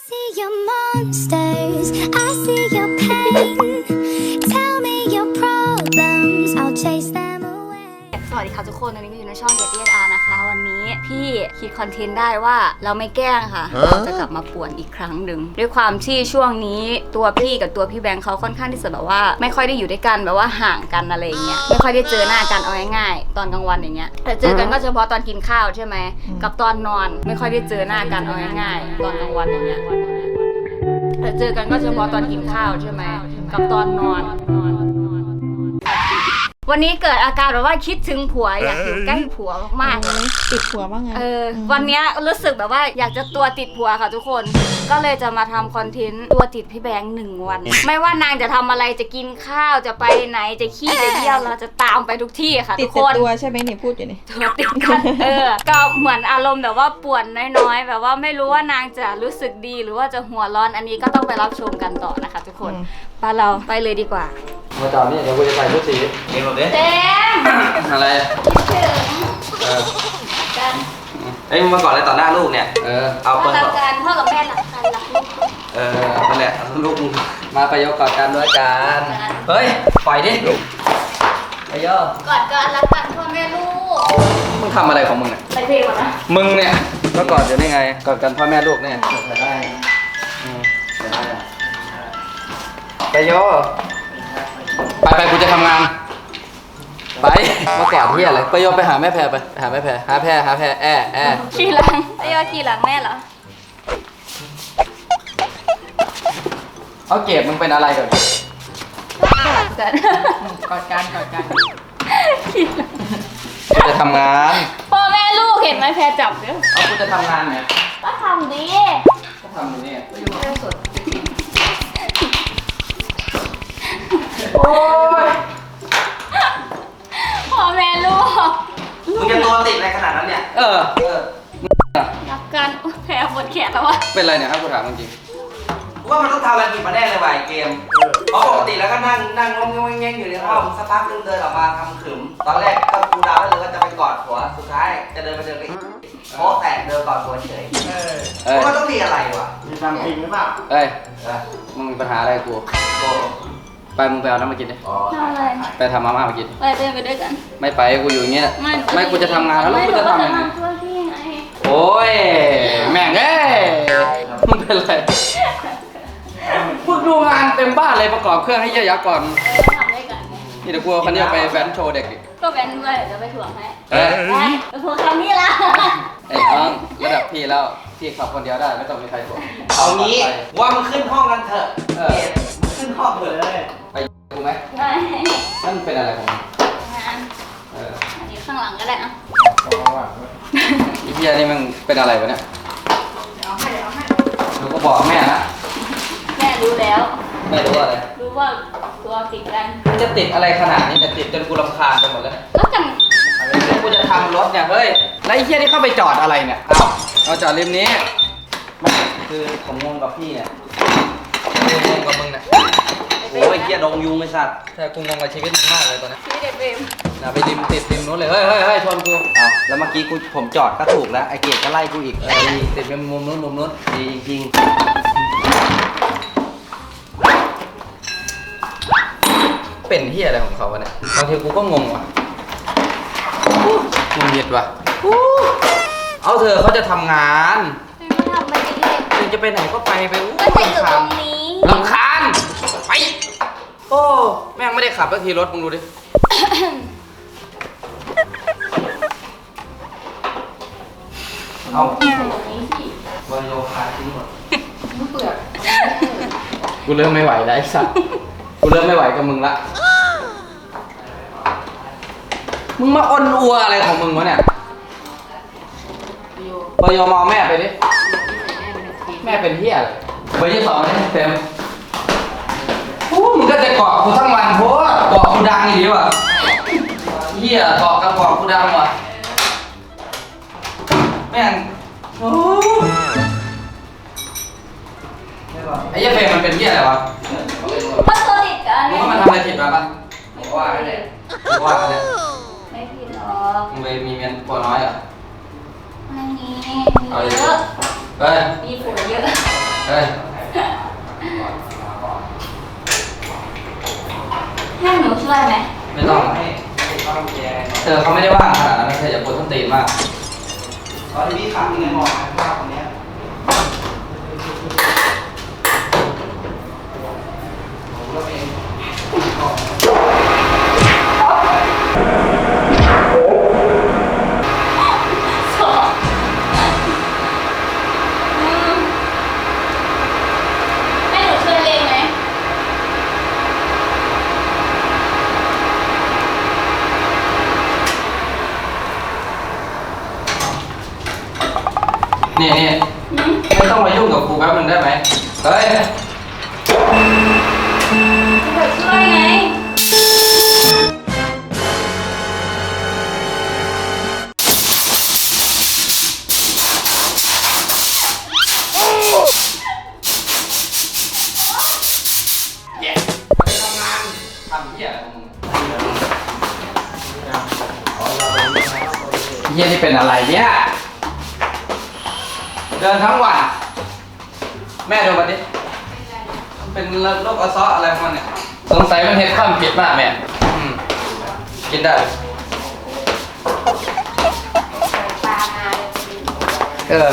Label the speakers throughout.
Speaker 1: see your monsters, I see your pain. Tell me your problems, I'll chase them away.
Speaker 2: สวัสดีค่ะทุกคนตอนนี้ก็อยู่ในช่อง DSR นะคะวันนี้พี่คิดคอนเทนต์ได้ว่าเราไม่แกล้งค่ะเราจะกลับมาป่วนอีกครั้งหนึ่งด้วยความที่ช่วงนี้ตัวพี่กับตัวพี่แบงค์เขาค่อนข้างที่จะแบบว่าไม่ค่อยได้อยู่ด้วยกันแบบว่าห่างกันอะไรเงี้ยไม่ค่อยได้เจอหน้ากันเอาง่ายๆตอนกลางวันอย่างเงี้ยแต่เจอกันก็เฉพาะตอนกินข้าวใช่ไหมกับตอนนอนไม่ค่อยได้เจอหน้ากันเอาง่ายๆตอนกลางวันอย่างเงี้ยแต่เจอกันก็เฉพาะตอนกินข้าวใช่ไหมกับตอนนอนวันนี้เกิดอาการแบบว่าคิดถึงผัวอยากอยู่ใกล้ผัวมากๆ
Speaker 3: ติดผัวบ้างไง
Speaker 2: วันนี้รู้สึกแบบว่าอยากจะตัวติดผัวค่ะทุกคนก็เลยจะมาทำคอนเทนต์ตัวติดพี่แบงค์1 วันไม่ว่านางจะทำอะไรจะกินข้าวจะไปไหนจะขี้จะเยี่ยวเราจะตามไปทุกที่ค่ะทุกคน
Speaker 3: ติดตัวใช่ไหมนี่พูดอยู่นี่
Speaker 2: ตัวติดกันก็เหมือนอารมณ์แบบว่าป่วนน้อยๆแบบว่าไม่รู้ว่านางจะรู้สึกดีหรือว่าจะหัวร้อนอันนี้ก็ต้องไปรับชมกันต่อนะคะทุกคนไปเราไปเลยดีกว่า
Speaker 4: มาจอดนี่เดี๋ยวกูจะใส่ชุดสีเองหรอเด้
Speaker 2: เต็ม
Speaker 4: อะไร
Speaker 2: กัน
Speaker 4: เอ้ยมึงมาก่อนเลยต่อหน้าลูกเนี่ยเอาเปิดก่อน
Speaker 2: การพ่อกับแม่หลักกันหลักลูก
Speaker 4: นั่นแหละลูกมึงมาไปยกกอดกันด้วยกันเฮ้ยปล่อยดิไปย่อก
Speaker 2: อดกันรักกันพ่อแม่ลูก
Speaker 4: มึงทำอะไรของมึงเนี่ย
Speaker 2: ไปเพลงก่อนนะ
Speaker 4: มึงเนี่ยก็กอดอยู่ได้ไงกอดกันพ่อแม่ลูกเนี่ยได้ไปย่อไปกูจะทำงานไปมากอดที่อะไรไปโยไปหาแม่แพรไปหาแม่แพรหาแพร
Speaker 2: ขี่หลังไปโยขี่หลังแม่เหรอ
Speaker 4: เอาเก็บมึงเป็นอะไรก่อน
Speaker 2: กอดกันขี่หลัง
Speaker 4: จะทำงาน
Speaker 2: พ่อแม่ลูกเห็นไหมแพรจับเด้อ
Speaker 4: เอากูจะทำงานเนี่ย
Speaker 2: ก็ทำดี
Speaker 4: ก็ทำอยู่นี่โอ้ย
Speaker 2: พ่อแม่ลูก
Speaker 4: มึงจะตัวติดอะไรขนาดนั้นเนี่ย
Speaker 2: รักกันแพ้ปวดแขนแล้ววะ
Speaker 4: เป็นไรเนี่ยครับกูถามจริงว่ามันต้องทำอะไรผิดมาแน่เลยว่ะเกมเพราะปกติแล้วก็นั่งงงๆอยู่ในห้องสักพักนึงเดินออกมาทำขึมตอนแรกก็กูดาวเลยว่าจะไปกอดผัวสุดท้ายจะเดินไปเจอกันโป๊ะแตกเดินกอดผัวเฉยว่ามันต้องมีอะไรวะ
Speaker 5: มีทำจริงหรือเปล่า
Speaker 4: มึงมีปัญหาอะไรกูไปมึงไปเอาน้ำมากินดิไปทำมาม่ามากิน
Speaker 2: ไปด้วยกัน
Speaker 4: ไม่ไปกูอยู่อย่างเงี้ยไม่กูจะทำงานแล้วกูจะทำยังไงโอ้ยแม่งเอ้ยมึงเป็นไรพูดดูงานเต็มบ้านเลยประกอบเครื่องให้เยอะๆก่อน
Speaker 2: ทำได้กัน
Speaker 4: นี่เดี๋ยวกูคันนี้ไปแฟนโชว์เด็กดิ
Speaker 2: ก็แฟนด้วยจะไปถ่วงให้ไปถ่วงคำนี้ละ
Speaker 4: ไอ้น้องระดับพี่แล้วพี่ขับคนเดียวได้ไม่ต้องมีใครถ่วง
Speaker 5: เอางี้ว่ามึงขึ้นห้องกันเถอะขึ้นห้องเลย
Speaker 4: ไปกูไหมนั่นเป็นอะไรของมึง
Speaker 2: อันนี้ข้างหลังก็ได้นะ
Speaker 4: อีเพียนี่มันเป็นอะไรวะเนี่ยเราก็บอกแม่นะ
Speaker 2: แม่รู้แล้ว
Speaker 4: แม่รู้อะไร
Speaker 2: รู้ว่าตัวติดกัน
Speaker 4: มันจะติดอะไรขนาดนี้แต่ติดจนกูรำคาญไปหมดแล้ว
Speaker 2: ก็จัง
Speaker 4: กูจะทำรถเนี่ยเฮ้ยแล้วไอ้เพียนี่เข้าไปจอดอะไรเนี่ยเอาจอดริมนี้คือผมงงกับพี่เนี่ยงงกับมึงเนี่ยโอ้ยเกียดงยุงไอ้สัตว์แต่กูงงกับชีวิตมึงมากเลยตอนนี้
Speaker 2: ชีวิตเด็กเบม
Speaker 4: ไปริมติดริมนู้นเลยเฮ้ยชนกูเอาแล้วเมื่อกี้ผมจอดก็ถูกแล้วไอ้เกียดก็ไล่กูอีกติดเป็นมุมนู้นดีจริงเป็นเฮียอะไรของเขาวะเนี่ยบางทีกูก็งงว่ะมึงเหยียดว่ะเอาเธอเขาจะทำงาน
Speaker 2: ทำไปเรื่อย
Speaker 4: มึงจะไปไหนก็ไป
Speaker 2: ก็จะอยู่ตรงนี้
Speaker 4: รำคาญไปโอ้แม่งไม่ได้ขับสักทีรถมึงดูดิเอาวายโยคาทิ้งหมดเปลือกกูเริ่มไม่ไหวแล้วไอ้สัสกูเริ่มไม่ไหวกับมึงละมึงมาอ้อนอัวอะไรของมึงวะเนี่ยวายโยมองแม่ไปดิแม่เป็นเฮียอะไรเบอร์ที่2นี่เต็มมึงก็จะเกาะกูทั้งวันเพราะเกาะกูดังดีว่ะเฮียเกาะกับเกาะกูดังว่ะแม่งไอ้เหี้ยเฟรมมันเป็นเหี้ยอะไรวะ
Speaker 2: เพราะตัวติดกัน
Speaker 4: มึงว่ามันทำอะไรผิดมาปะไม่ว่าเนี่ย
Speaker 2: ไม่ผิดหรอก
Speaker 4: มึงไปมีเมียตัวน้อยอ่ะ
Speaker 2: ไม่มีเยอะมีผัวเยอะ
Speaker 4: เฮ้ย
Speaker 2: ให้หนูช่วยไหม
Speaker 4: ไม่ต้องเธอเขาไม่ได้ว่างขนาดนั้นเธออย่าปวดต้นตีนมาก
Speaker 5: ตอนที่พี่ขับยังไงบอกนะว่าคนเนี้ยผมก็เป็น
Speaker 2: สองให้หนูช่วยเองไหม
Speaker 4: นี่ไม่ต้องมายุ่งกับกูแป๊บนึงได้ไหมเฮ้ย
Speaker 2: จะช่วยไง
Speaker 4: ทำเหี้ยอะไรของมึงเหี้ยนี่เป็นอะไรเนี่ยเดินทั้งวันแม่ดูมันดิเป็นโรคอัลซออะไรของมันเนี่ยสงสัยมันเห็ดข้ามผิดมากแม่กินได้เออ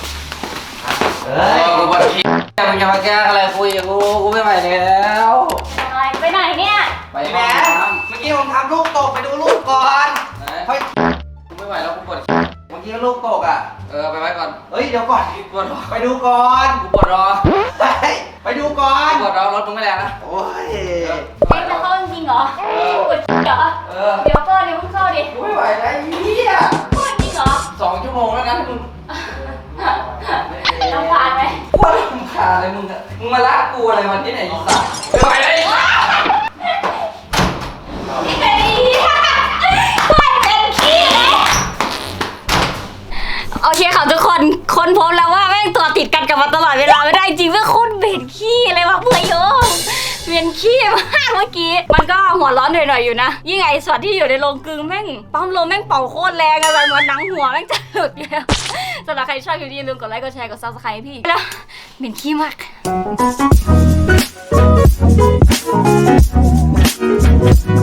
Speaker 4: กูปวดขี้มึงจะมาแก้อะไรคุยกับกูไม่ไหวแล้ว
Speaker 2: อะไรไปไหนเนี่ย
Speaker 4: ไป
Speaker 5: พี่
Speaker 4: ห้
Speaker 5: แบ
Speaker 4: อง
Speaker 5: งค์
Speaker 4: น้
Speaker 5: เมื่อกี้ผมทำลูกตกไปดูลูกก่อน
Speaker 4: ำ
Speaker 5: เฮ้ย
Speaker 4: กูไม่ไหวแล้วกูปวด
Speaker 5: เมื่อกี้ลูกตกอ่ะ
Speaker 4: ไปไว้ก่อน
Speaker 5: เฮ้ยเดี๋ยวก่อน
Speaker 4: ปวดรอ
Speaker 5: ไปดูก่อน
Speaker 4: กูปวดรอ
Speaker 5: เฮ้ยไปดูก่อน
Speaker 4: ปวดรอรถมึงไม่แรงนะ
Speaker 5: โอ้ย
Speaker 2: เอ็งจะเข้าจริงเหรอปวดเหรอ เดี๋ยวก่อนเดี๋ยวเพิ่งเข้าดิ
Speaker 4: กูไม่ไหวแล้วเหี้ย
Speaker 2: ปวดจริงเหรอ
Speaker 4: 2 ชั่วโมงแล้วนะมึง
Speaker 2: ต้องผ่านไหม
Speaker 4: ปวดมึงขาเลยมึงอะมึงมาลากกูอะไรวันที่ไหนอีสัตว์ไม่ไหวแล้ว
Speaker 2: เฮ้ยปวดเป็นขี้เลยโอเคค่ะทุกคนค้นพบแล้วว่าแม่งตัวติดกันกับมาตลอดเวลาไม่ได้จริงเพื่อคุณเบ็ดขี้เลยวะเพื่อโยมเวียนขี้มากเมื่อกี้ มันก็หัวร้อนหน่อยๆอยู่นะ ยิ่งไอ้ส่วนที่อยู่ในโรงกลึงแม่งปั๊มลมแม่งเป่าโคตรแรงอะไรเหมือนหนังหัวแม่งจะหลุดอยู่แล้วสำหรับใครชอบคลิปนี้อย่าลืมกดไลค์กดแชร์กด Subscribe ให้พี่แล้วเหม็นขี้มาก